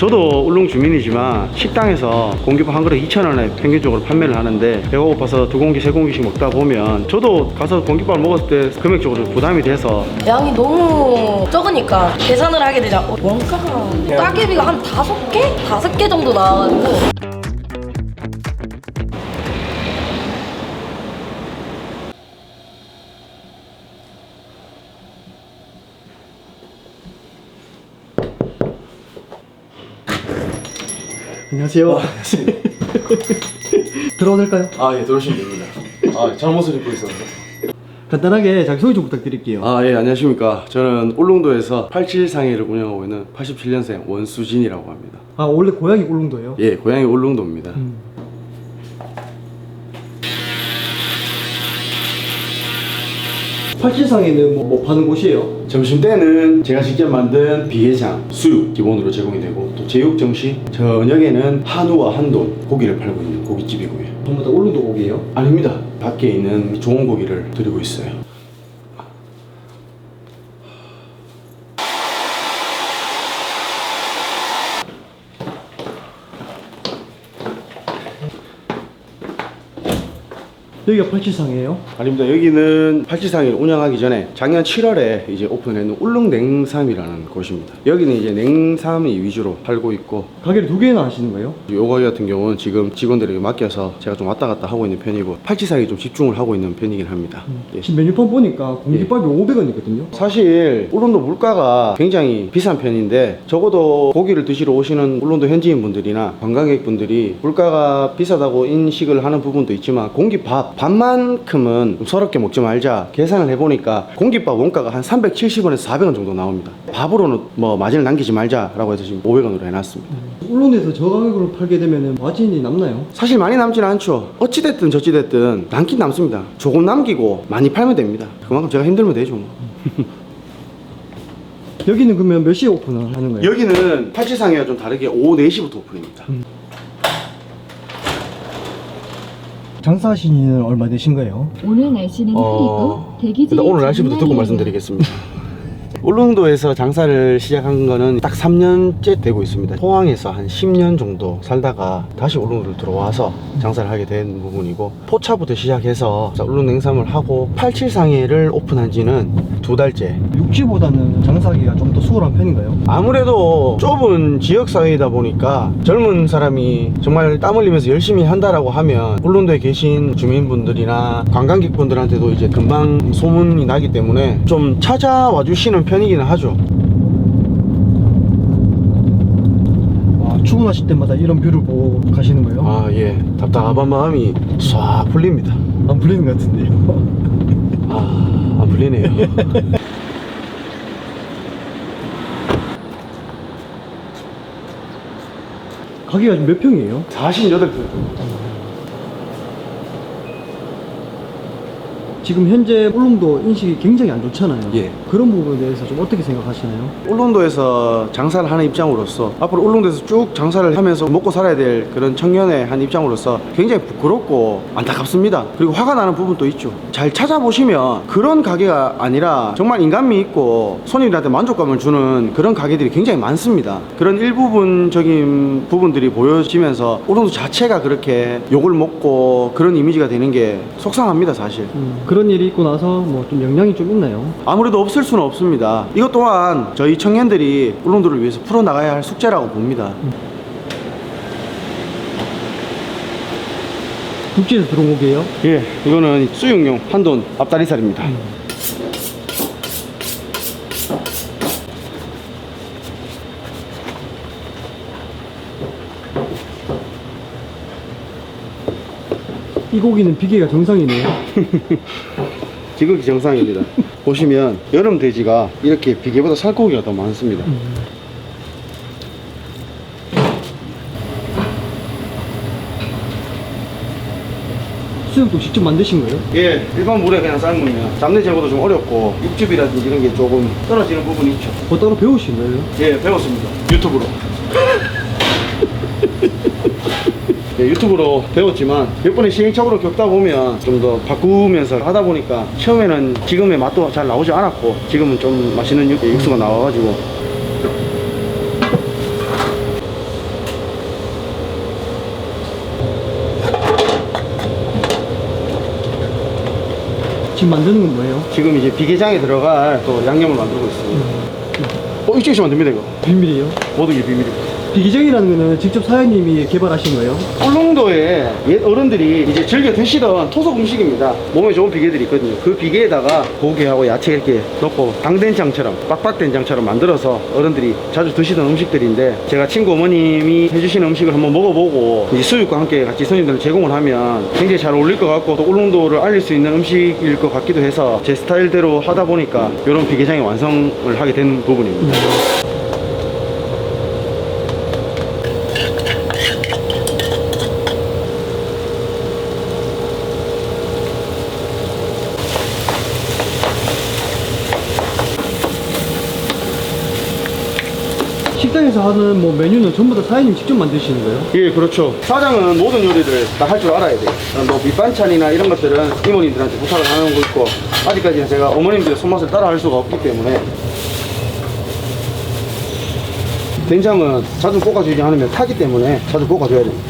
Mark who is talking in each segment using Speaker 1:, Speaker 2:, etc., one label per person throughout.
Speaker 1: 저도 울릉 주민이지만 식당에서 공깃밥 한 그릇 2,000원에 평균적으로 판매를 하는데 배가 고파서 2공기, 3공기씩 먹다 보면 저도 가서 공깃밥을 먹었을 때 금액적으로 부담이 돼서
Speaker 2: 양이 너무 적으니까 계산을 하게 되자 원가가 따개비가 한 5개? 5개 정도 나와가지고
Speaker 3: 안녕하세요. 들어도 될까요?
Speaker 1: 아, 예, 들어오시면 됩니다. 아, 잘못을 입고 있었는데.
Speaker 3: 간단하게 자기소개 좀 부탁드릴게요.
Speaker 1: 아, 예, 안녕하십니까. 저는 울릉도에서 87상해를 운영하고 있는 87년생 원수진이라고 합니다.
Speaker 3: 아, 원래 고향이 울릉도예요?
Speaker 1: 예, 고향이 울릉도입니다.
Speaker 3: 87상에는 뭐 파는 곳이에요?
Speaker 1: 점심 때는 제가 직접 만든 비계장, 수육 기본으로 제공이 되고 또 제육 정시, 저녁에는 한우와 한돈 고기를 팔고 있는 고깃집이고요.
Speaker 3: 전부 다 울릉도 고기예요?
Speaker 1: 아닙니다. 밖에 있는 좋은 고기를 드리고 있어요.
Speaker 3: 여기가 87상이에요?
Speaker 1: 아닙니다. 여기는 87상을 운영하기 전에 작년 7월에 이제 오픈했는 울릉냉삼이라는 곳입니다. 여기는 이제 냉삼이 위주로 팔고 있고
Speaker 3: 가게를 2개나 하시는 거예요?
Speaker 1: 요거 같은 경우는 지금 직원들에게 맡겨서 제가 좀 왔다 갔다 하고 있는 편이고 87상에 좀 집중을 하고 있는 편이긴 합니다. 예.
Speaker 3: 지금 메뉴판 보니까 공깃밥이 500원이거든요?
Speaker 1: 사실 울릉도 물가가 굉장히 비싼 편인데 적어도 고기를 드시러 오시는 울릉도 현지인 분들이나 관광객분들이 물가가 비싸다고 인식을 하는 부분도 있지만 공깃밥 밥만큼은 좀 서럽게 먹지 말자 계산을 해보니까 공깃밥 원가가 한 370원에서 400원 정도 나옵니다. 밥으로는 뭐 마진을 남기지 말자라고 해서 지금 500원으로 해놨습니다.
Speaker 3: 울릉도에서 저 가격으로 팔게 되면 마진이 남나요?
Speaker 1: 사실 많이 남지는 않죠. 어찌됐든 저찌됐든 남긴 남습니다. 조금 남기고 많이 팔면 됩니다. 그만큼 제가 힘들면 되죠 뭐.
Speaker 3: 여기는 그러면 몇 시에 오픈을 하는 거예요?
Speaker 1: 여기는 87상이와 좀 다르게 오후 4시부터 오픈입니다.
Speaker 3: 장사하신 지는 얼마 되신 거예요?
Speaker 4: 오늘 날씨는 흐리고 대기질
Speaker 1: 일단 오늘 날씨부터 듣고 말씀드리겠습니다. 울릉도에서 장사를 시작한 거는 딱 3년째 되고 있습니다. 포항에서 한 10년 정도 살다가 다시 울릉도를 들어와서 장사를 하게 된 부분이고 포차부터 시작해서 울릉냉삼을 하고 87상해를 오픈한 지는 2달째.
Speaker 3: 육지보다는 장사하기가 좀 더 수월한 편인가요?
Speaker 1: 아무래도 좁은 지역사회이다 보니까 젊은 사람이 정말 땀 흘리면서 열심히 한다라고 하면 울릉도에 계신 주민분들이나 관광객분들한테도 이제 금방 소문이 나기 때문에 좀 찾아와 주시는 편이기는 하죠.
Speaker 3: 출근하실 때마다 이런 뷰를 보고 가시는 거예요?
Speaker 1: 아, 예. 답답한 마음이 싹 풀립니다.
Speaker 3: 안 풀리는 것 같은데요?
Speaker 1: 아, 안 풀리네요.
Speaker 3: 가게가 지금 몇 평이에요?
Speaker 1: 48평.
Speaker 3: 지금 현재 울릉도 인식이 굉장히 안 좋잖아요.
Speaker 1: 예.
Speaker 3: 그런 부분에 대해서 좀 어떻게 생각하시나요?
Speaker 1: 울릉도에서 장사를 하는 입장으로서 앞으로 울릉도에서 쭉 장사를 하면서 먹고 살아야 될 그런 청년의 한 입장으로서 굉장히 부끄럽고 안타깝습니다. 그리고 화가 나는 부분도 있죠. 잘 찾아보시면 그런 가게가 아니라 정말 인간미 있고 손님들한테 만족감을 주는 그런 가게들이 굉장히 많습니다. 그런 일부분적인 부분들이 보여지면서 울릉도 자체가 그렇게 욕을 먹고 그런 이미지가 되는 게 속상합니다, 사실.
Speaker 3: 그런 일이 있고 나서 뭐 좀 영향이 좀 있나요?
Speaker 1: 아무래도 없을 수는 없습니다. 이것 또한 저희 청년들이 울릉도를 위해서 풀어나가야 할 숙제라고 봅니다.
Speaker 3: 육지에서 들어온 고기예요?
Speaker 1: 예, 이거는 수육용 한돈 앞다리살입니다.
Speaker 3: 이 고기는 비계가 정상이네요.
Speaker 1: 지극히 정상입니다. 보시면 여름 돼지가 이렇게 비계보다 살코기가 더 많습니다.
Speaker 3: 수육도 직접 만드신 거예요?
Speaker 1: 예, 일반 물에 그냥 삶으면 잡내 제거도 좀 어렵고 육즙이라든지 이런 게 조금 떨어지는 부분이 있죠.
Speaker 3: 뭐 따로 배우신 거예요?
Speaker 1: 예, 배웠습니다. 유튜브로. 예, 유튜브로 배웠지만 몇 번의 시행착오를 겪다 보면 좀 더 바꾸면서 하다 보니까 처음에는 지금의 맛도 잘 나오지 않았고 지금은 좀 맛있는 육수가 나와가지고
Speaker 3: 지금 만드는 건 뭐예요?
Speaker 1: 지금 이제 비계장에 들어갈 또 양념을 만들고 있습니다. 이쪽에서 만듭니다, 이거.
Speaker 3: 비밀이에요?
Speaker 1: 모든 게 비밀입니다.
Speaker 3: 비기정이라는 거는 직접 사장님이 개발하신 거예요?
Speaker 1: 울릉도에 옛 어른들이 이제 즐겨 드시던 토속 음식입니다. 몸에 좋은 비계들이 있거든요. 그 비계에다가 고기하고 야채 이렇게 넣고 당된장처럼 빡빡된장처럼 만들어서 어른들이 자주 드시던 음식들인데, 제가 친구 어머님이 해주시는 음식을 한번 먹어보고 이제 수육과 함께 같이 손님들 제공을 하면 굉장히 잘 어울릴 것 같고 또 울릉도를 알릴 수 있는 음식일 것 같기도 해서 제 스타일대로 하다 보니까 이런 비계장의 완성을 하게 된 부분입니다.
Speaker 3: 식당에서 하는 뭐 메뉴는 전부 다 사장님 직접 만드시는 거예요?
Speaker 1: 예, 그렇죠. 사장은 모든 요리를 다 할 줄 알아야 돼요. 뭐 밑반찬이나 이런 것들은 이모님들한테 부탁을 하는 거 있고, 아직까지는 제가 어머님들의 손맛을 따라 할 수가 없기 때문에. 된장은 자주 볶아주지 않으면 타기 때문에 자주 볶아줘야 돼요.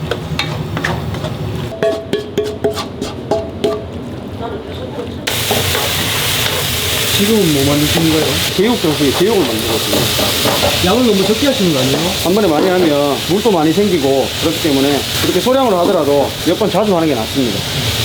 Speaker 3: 지금은 뭐 만드시는 거예요?
Speaker 1: 제육 정수에 제육을 만들거든요.
Speaker 3: 양을 너무 적게 하시는 거 아니에요?
Speaker 1: 한 번에 많이 하면 물도 많이 생기고 그렇기 때문에 그렇게 소량으로 하더라도 몇 번 자주 하는 게 낫습니다.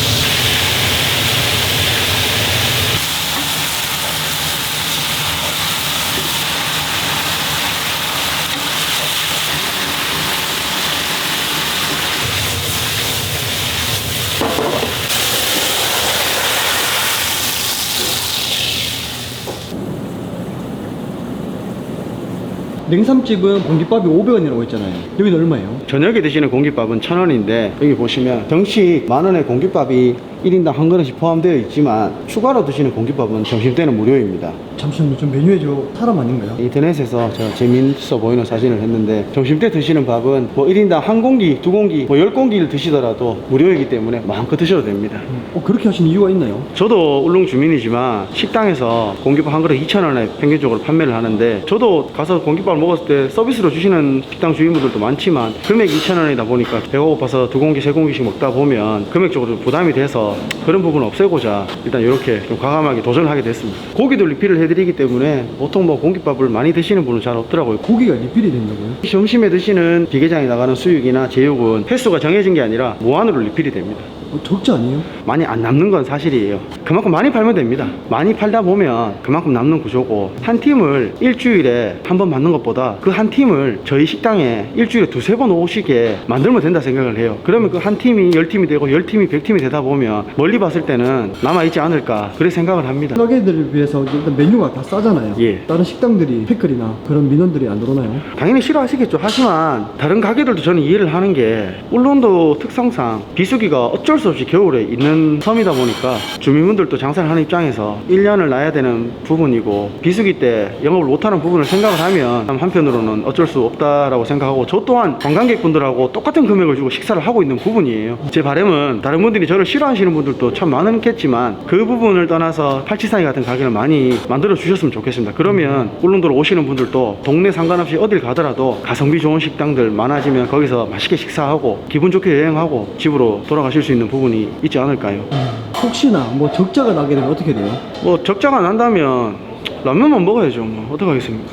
Speaker 3: 냉삼집은 공깃밥이 500원이라고 했잖아요. 여기는 얼마예요?
Speaker 1: 저녁에 드시는 공깃밥은 1,000원인데 여기 보시면 정식 만원의 공깃밥이 1인당 한 그릇씩 포함되어 있지만 추가로 드시는 공깃밥은 점심때는 무료입니다.
Speaker 3: 잠시만요. 좀 메뉴에 저 사람 아닌가요?
Speaker 1: 인터넷에서 제가 재밌어 보이는 사진을 했는데, 점심때 드시는 밥은 뭐 1인당 한 공기, 두 공기, 뭐 10공기를 드시더라도 무료이기 때문에 마음껏 드셔도 됩니다.
Speaker 3: 그렇게 하신 이유가 있나요?
Speaker 1: 저도 울릉 주민이지만 식당에서 공깃밥 한 그릇 2,000원에 평균적으로 판매를 하는데, 저도 가서 공깃밥을 먹었을 때 서비스로 주시는 식당 주인분들도 많지만 금액이 2,000원이다 보니까 배가 고파서 두 공기, 세 공기씩 먹다 보면 금액적으로 부담이 돼서 그런 부분을 없애고자 일단 이렇게 좀 과감하게 도전을 하게 됐습니다. 고기도 리필을 해드리기 때문에 보통 뭐 공깃밥을 많이 드시는 분은 잘 없더라고요.
Speaker 3: 고기가 리필이 된다고요?
Speaker 1: 점심에 드시는 비계장에 나가는 수육이나 제육은 횟수가 정해진 게 아니라 무한으로 리필이 됩니다.
Speaker 3: 적지 아니에요?
Speaker 1: 많이 안 남는 건 사실이에요. 그만큼 많이 팔면 됩니다. 많이 팔다 보면 그만큼 남는 구조고, 한 팀을 일주일에 한 번 받는 것보다 그 한 팀을 저희 식당에 일주일에 두세 번 오시게 만들면 된다 생각을 해요. 그러면 그 한 팀이 10팀이 되고 10팀이 100팀이 되다 보면 멀리 봤을 때는 남아있지 않을까, 그렇게 생각을 합니다.
Speaker 3: 가게들을 비해서 일단 메뉴가 다 싸잖아요.
Speaker 1: 예.
Speaker 3: 다른 식당들이 패클이나 그런 민원들이 안 들어오나요?
Speaker 1: 당연히 싫어하시겠죠. 하지만 다른 가게들도 저는 이해를 하는 게, 울릉도 특성상 비수기가 어쩔 수 없이 겨울에 있는 섬이다 보니까 주민분들도 장사를 하는 입장에서 1년을 놔야 되는 부분이고, 비수기 때 영업을 못하는 부분을 생각을 하면 한편으로는 어쩔 수 없다라고 생각하고, 저 또한 관광객분들하고 똑같은 금액을 주고 식사를 하고 있는 부분이에요. 제 바람은 다른 분들이 저를 싫어하시는 분들도 참 많겠지만 그 부분을 떠나서 팔치사이 같은 가게를 많이 만들어 주셨으면 좋겠습니다. 그러면 울릉도로 오시는 분들도 동네 상관없이 어딜 가더라도 가성비 좋은 식당들 많아지면 거기서 맛있게 식사하고 기분 좋게 여행하고 집으로 돌아가실 수 있는 부분이 있지 않을까요?
Speaker 3: 혹시나 뭐 적자가 나게 되면 어떻게 돼요?
Speaker 1: 뭐 적자가 난다면 라면만 먹어야죠. 뭐 어떡하겠습니까?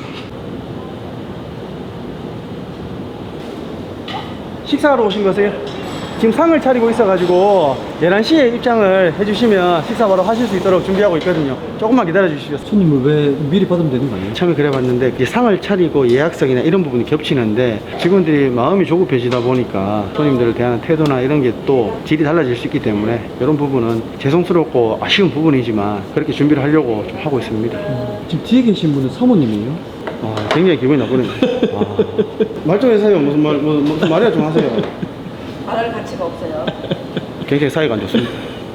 Speaker 1: 식사하러 오신 거세요? 지금 상을 차리고 있어가지고 11시에 입장을 해주시면 식사 바로 하실 수 있도록 준비하고 있거든요. 조금만 기다려 주시죠.
Speaker 3: 손님을 왜 미리 받으면 되는 거 아니에요?
Speaker 1: 처음에 그래봤는데 이제 상을 차리고 예약성이나 이런 부분이 겹치는데, 직원들이 마음이 조급해지다 보니까 손님들을 대하는 태도나 이런 게 또 질이 달라질 수 있기 때문에 이런 부분은 죄송스럽고 아쉬운 부분이지만 그렇게 준비를 하려고 좀 하고 있습니다.
Speaker 3: 지금 뒤에 계신 분은 사모님이에요?
Speaker 1: 굉장히 기분이 나쁘네요. 말 좀 해주세요. 무슨 말이야 좀 하세요.
Speaker 2: 말할 가치가 없어요.
Speaker 1: 굉장히 사이가 안 좋습니다.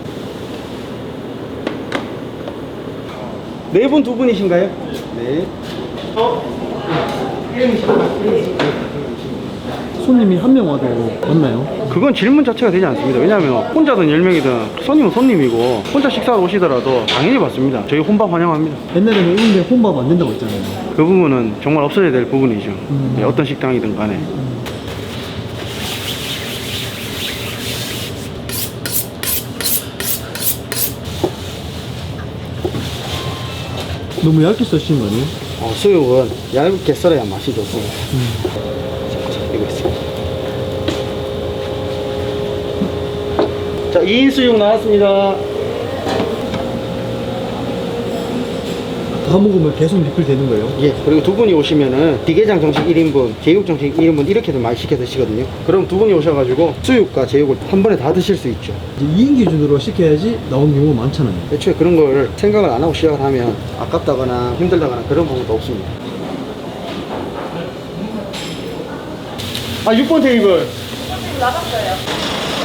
Speaker 1: 네 분, 두 분이신가요? 네.
Speaker 3: 손님이 한 명 와도 맞나요?
Speaker 1: 그건 질문 자체가 되지 않습니다. 왜냐하면 혼자든 10명이든 손님은 손님이고 혼자 식사로 오시더라도 당연히 받습니다. 저희 혼밥 환영합니다.
Speaker 3: 옛날에는 이런데 혼밥 안 된다고 했잖아요.
Speaker 1: 그 부분은 정말 없어져야 될 부분이죠. 네, 어떤 식당이든 간에.
Speaker 3: 너무 얇게 써시는 거 아니에요?
Speaker 1: 수육은 얇게 썰어야 맛이 좋습니다. 이거 있습니다. 자, 2인 수육 나왔습니다.
Speaker 3: 다 먹으면 계속 리필 되는 거예요?
Speaker 1: 예, 그리고 두 분이 오시면은 비계장 정식 1인분, 제육 정식 1인분 이렇게도 많이 시켜 드시거든요. 그럼 두 분이 오셔가지고 수육과 제육을 한 번에 다 드실 수 있죠.
Speaker 3: 이제 2인 기준으로 시켜야지 나오는 경우가 많잖아요.
Speaker 1: 애초에 그런 걸 생각을 안 하고 시작을 하면 아깝다거나 힘들다거나 그런 부분도 없습니다. 아, 6번 테이블.
Speaker 2: 나갔어요.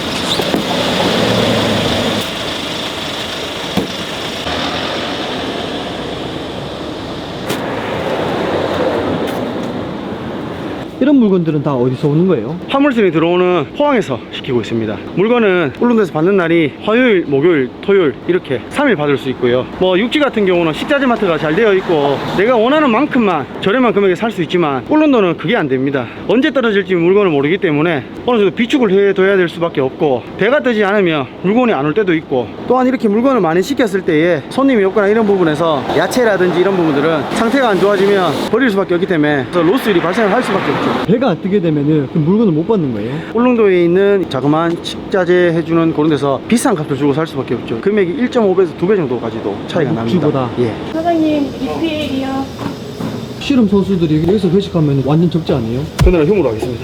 Speaker 3: 이런 물건들은 다 어디서 오는 거예요?
Speaker 1: 화물선이 들어오는 포항에서 시키고 있습니다. 물건은 울릉도에서 받는 날이 화요일, 목요일, 토요일 이렇게 3일 받을 수 있고요. 뭐 육지 같은 경우는 식자재 마트가 잘 되어 있고 내가 원하는 만큼만 저렴한 금액에 살 수 있지만 울릉도는 그게 안 됩니다. 언제 떨어질지 물건을 모르기 때문에 어느 정도 비축을 해둬야 될 수밖에 없고 배가 뜨지 않으면 물건이 안 올 때도 있고 또한 이렇게 물건을 많이 시켰을 때에 손님이 없거나 이런 부분에서 야채라든지 이런 부분들은 상태가 안 좋아지면 버릴 수밖에 없기 때문에 그래서 로스율이 발생을 할 수밖에 없죠.
Speaker 3: 배가 안 뜨게 되면은 그 물건을 못 받는 거예요?
Speaker 1: 울릉도에 있는 자그마한 식자재 해주는 그런 데서 비싼 값을 주고 살 수밖에 없죠. 금액이 1.5배에서 2배 정도까지도 차이가 납니다.
Speaker 3: 육지보다?
Speaker 1: 예.
Speaker 2: 사장님, 리필이요.
Speaker 3: 씨름 선수들이 여기서 회식하면 완전 적지 않아요?
Speaker 1: 그날은 흉으로 하겠습니다.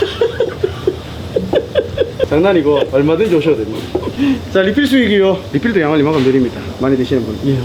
Speaker 1: 장난이고 얼마든지 오셔도 됩니다. 자, 리필 수익이요. 리필도 양을 이만큼 드립니다. 많이 드시는 분.
Speaker 3: 이야.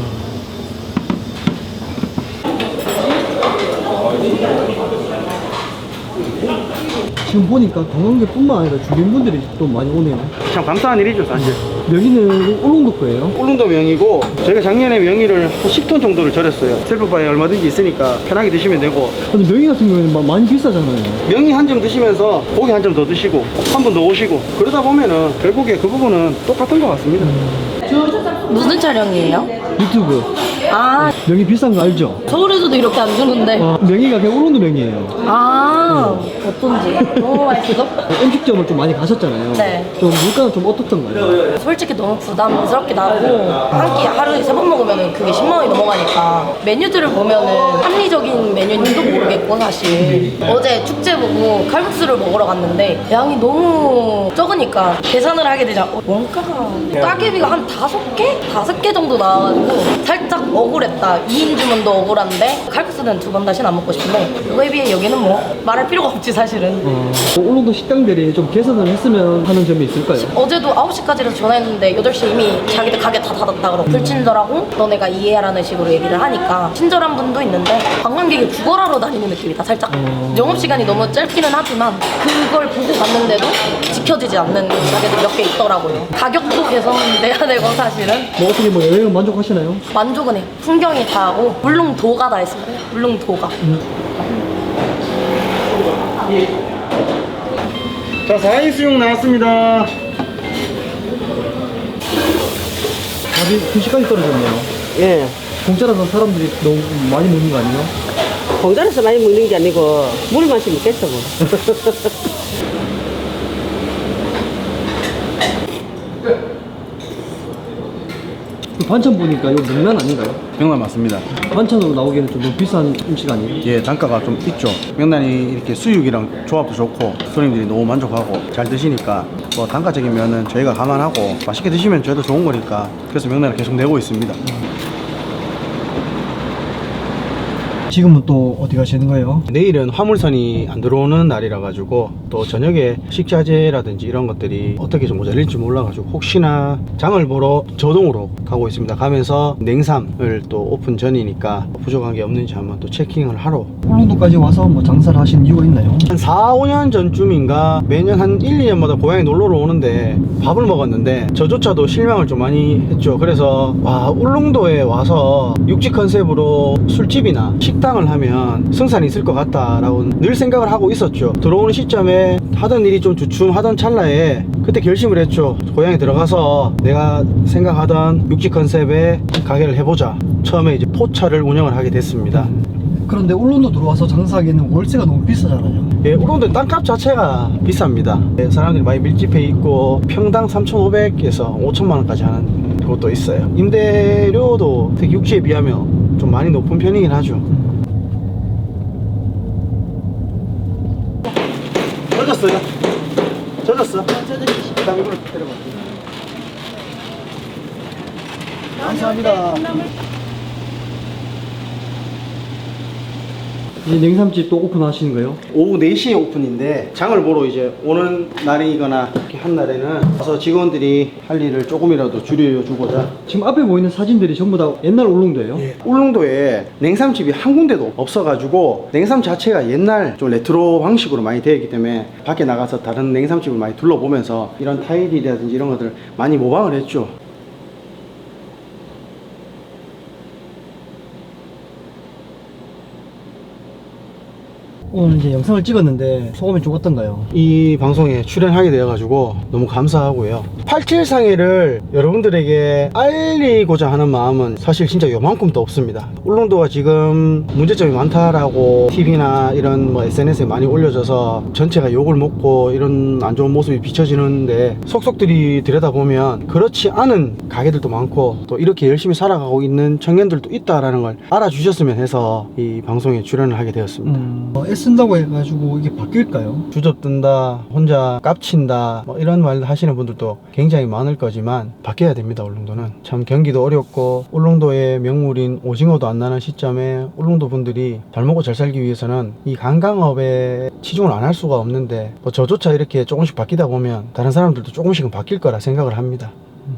Speaker 3: 지금 보니까 관광객뿐만 아니라 주민분들이 또 많이 오네요.
Speaker 1: 참 감사한 일이죠, 사실.
Speaker 3: 여기는 울릉도 거예요?
Speaker 1: 울릉도 명이고 저희가 작년에 명이를 한 10톤 정도를 절였어요. 셀프바에 얼마든지 있으니까 편하게 드시면 되고
Speaker 3: 근데 명이 같은 경우에는 많이 비싸잖아요.
Speaker 1: 명이 한 점 드시면서 고기 한 점 더 드시고 한 번 더 오시고 그러다 보면은 결국에 그 부분은 똑같은 것 같습니다.
Speaker 2: 무슨 촬영이에요?
Speaker 3: 유튜브.
Speaker 2: 아,
Speaker 3: 명이 비싼 거 알죠?
Speaker 2: 서울에서도 이렇게 안 주는데.
Speaker 3: 명이가 그냥 울릉도 명이에요.
Speaker 2: 아, 어떤지. 너무 맛있어?
Speaker 3: 음식점을 좀 많이 가셨잖아요.
Speaker 2: 네.
Speaker 3: 좀 물가는 좀 어떻던가요?
Speaker 2: 솔직히 너무 부담스럽게 나고 한 끼 하루에 3번 먹으면 그게 10만 원이 넘어가니까 메뉴들을 보면은 합리적인 메뉴인지도 모르겠고 사실 어제 축제 보고 칼국수를 먹으러 갔는데 양이 너무 적으니까 계산을 하게 되자 원가가 따개비가 한 5개? 5개 정도 나와가지고 살짝 억울했다. 2인 주문도 억울한데 칼국수는 2번 다시는 안 먹고 싶은데 그거에 비해 여기는 뭐 말할 필요가 없지 사실은.
Speaker 3: 울릉도 식당들이 좀 개선을 했으면 하는 점이 있을까요?
Speaker 2: 어제도 9시까지라서 전화했는데 8시에 이미 자기들 가게 다 닫았다 그러고 불친절하고 너네가 이해하라는 식으로 얘기를 하니까 친절한 분도 있는데 관광객이 구걸하러 다니는 느낌이다 살짝. 영업시간이 너무 짧기는 하지만 그걸 보고 갔는데도 지켜지지 않는 가게들 몇 개 있더라고요. 가격도 개선돼야 되고 사실은
Speaker 3: 뭐 어떻게 뭐 여행은 만족하시나요?
Speaker 2: 만족은 해. 풍경이 다 하고 울릉도가 다 했습니다. 울릉도가.
Speaker 1: 자, 4인 수육 나왔습니다.
Speaker 3: 밥이 2시까지 떨어졌네요.
Speaker 5: 예.
Speaker 3: 공짜라서 사람들이 너무 많이 먹는 거 아니에요?
Speaker 5: 공짜로서 많이 먹는 게 아니고 물 마시면 겠어 뭐.
Speaker 3: 그 반찬 보니까 이거 명란 아닌가요?
Speaker 1: 명란 맞습니다.
Speaker 3: 반찬으로 나오기에는 좀 너무 비싼 음식 아니에요?
Speaker 1: 예, 단가가 좀 있죠. 명란이 이렇게 수육이랑 조합도 좋고 손님들이 너무 만족하고 잘 드시니까 뭐 단가적인 면은 저희가 감안하고 맛있게 드시면 저희도 좋은 거니까 그래서 명란을 계속 내고 있습니다.
Speaker 3: 지금은 또 어디 가시는 거예요?
Speaker 1: 내일은 화물선이 안 들어오는 날이라 가지고 또 저녁에 식자재라든지 이런 것들이 어떻게 좀 모자랄지 몰라 가지고 혹시나 장을 보러 저동으로 가고 있습니다. 가면서 냉삼을 또 오픈 전이니까 부족한 게 없는지 한번 또 체킹을 하러
Speaker 3: 울릉도까지 와서 뭐 장사를 하시는 이유가 있나요?
Speaker 1: 한 4, 5년 전쯤인가 매년 한 1, 2년마다 고향에 놀러를 오는데 밥을 먹었는데 저조차도 실망을 좀 많이 했죠. 그래서 와, 울릉도에 와서 육지 컨셉으로 술집이나 식당을 하면 승산이 있을 것 같다라고 늘 생각을 하고 있었죠. 들어오는 시점에 하던 일이 좀 주춤하던 찰나에 그때 결심을 했죠. 고향에 들어가서 내가 생각하던 육지 컨셉의 가게를 해보자. 처음에 이제 포차를 운영을 하게 됐습니다.
Speaker 3: 그런데 울릉도 들어와서 장사하기에는 월세가 너무 비싸잖아요.
Speaker 1: 예, 울릉도 땅값 자체가 비쌉니다. 예, 사람들이 많이 밀집해 있고 평당 3,500에서 5천만 원까지 하는 곳도 있어요. 임대료도 특히 육지에 비하면 좀 많이 높은 편이긴 하죠. 젖었어요? 젖었어? 그다음 이걸로 때려봐. 감사합니다.
Speaker 3: 이제 냉삼집 또 오픈하시는 거예요?
Speaker 1: 오후 4시에 오픈인데 장을 보러 이제 오는 날이거나 이렇게 한 날에는 와서 직원들이 할 일을 조금이라도 줄여주고자.
Speaker 3: 지금 앞에 보이는 사진들이 전부 다 옛날 울릉도예요?
Speaker 1: 울릉도에 냉삼집이 한 군데도 없어가지고 냉삼 자체가 옛날 좀 레트로 방식으로 많이 되어 있기 때문에 밖에 나가서 다른 냉삼집을 많이 둘러보면서 이런 타일이라든지 이런 것들을 많이 모방을 했죠.
Speaker 3: 오늘 이제 영상을 찍었는데 소감이 좀 어떤가요?
Speaker 1: 이 방송에 출연하게 되어가지고 너무 감사하고요. 87상해를 여러분들에게 알리고자 하는 마음은 사실 진짜 요만큼도 없습니다. 울릉도가 지금 문제점이 많다라고 TV나 이런 뭐 SNS에 많이 올려져서 전체가 욕을 먹고 이런 안 좋은 모습이 비춰지는데 속속들이 들여다보면 그렇지 않은 가게들도 많고 또 이렇게 열심히 살아가고 있는 청년들도 있다라는 걸 알아주셨으면 해서 이 방송에 출연을 하게 되었습니다.
Speaker 3: 애쓴다고 해가지고 이게 바뀔까요?
Speaker 1: 주접든다, 혼자 깝친다, 뭐 이런 말 하시는 분들도 굉장히 많을 거지만 바뀌어야 됩니다. 울릉도는 참 경기도 어렵고 울릉도의 명물인 오징어도 안 나는 시점에 울릉도 분들이 잘 먹고 잘 살기 위해서는 이 관광업에 치중을 안 할 수가 없는데 뭐 저조차 이렇게 조금씩 바뀌다 보면 다른 사람들도 조금씩은 바뀔 거라 생각을 합니다.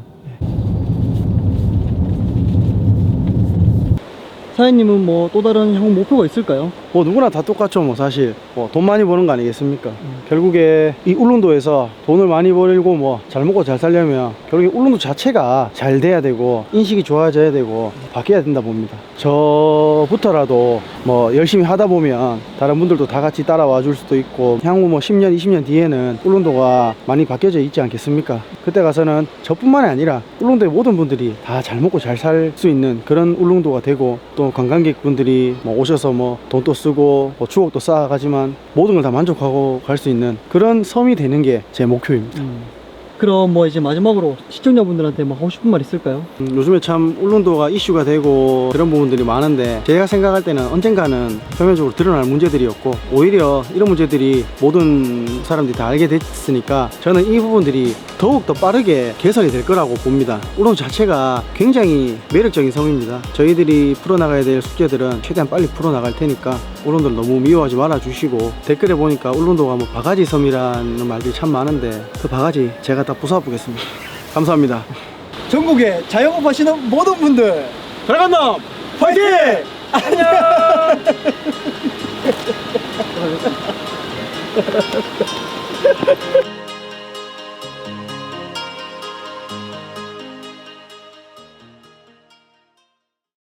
Speaker 3: 사장님은 뭐 또 다른 향후 목표가 있을까요?
Speaker 1: 뭐 누구나 다 똑같죠. 뭐 사실 뭐 돈 많이 버는 거 아니겠습니까? 결국에 이 울릉도에서 돈을 많이 벌고 뭐 잘 먹고 잘 살려면 결국에 울릉도 자체가 잘 돼야 되고 인식이 좋아져야 되고 바뀌어야 된다 봅니다. 저부터라도 뭐 열심히 하다 보면 다른 분들도 다 같이 따라와 줄 수도 있고 향후 뭐 10년 20년 뒤에는 울릉도가 많이 바뀌어져 있지 않겠습니까? 그때 가서는 저뿐만이 아니라 울릉도의 모든 분들이 다 잘 먹고 잘 살 수 있는 그런 울릉도가 되고 또 관광객분들이 뭐 오셔서 뭐 돈도 쓰고 뭐 추억도 쌓아가지만 모든 걸 다 만족하고 갈 수 있는 그런 섬이 되는 게 제 목표입니다.
Speaker 3: 그럼 뭐 이제 마지막으로 시청자분들한테 뭐 하고 싶은 말 있을까요?
Speaker 1: 요즘에 참 울릉도가 이슈가 되고 그런 부분들이 많은데 제가 생각할 때는 언젠가는 표면적으로 드러날 문제들이었고 오히려 이런 문제들이 모든 사람들이 다 알게 됐으니까 저는 이 부분들이 더욱 더 빠르게 개선이 될 거라고 봅니다. 울릉도 자체가 굉장히 매력적인 섬입니다. 저희들이 풀어나가야 될 숙제들은 최대한 빨리 풀어나갈 테니까 울릉도를 너무 미워하지 말아 주시고 댓글에 보니까 울릉도가 뭐 바가지 섬이라는 말들이 참 많은데 그 바가지 제가 다 부숴보겠습니다. 감사합니다.
Speaker 3: 전국에 자영업 하시는 모든 분들
Speaker 1: 드래곤놈 파이팅!
Speaker 3: 안녕!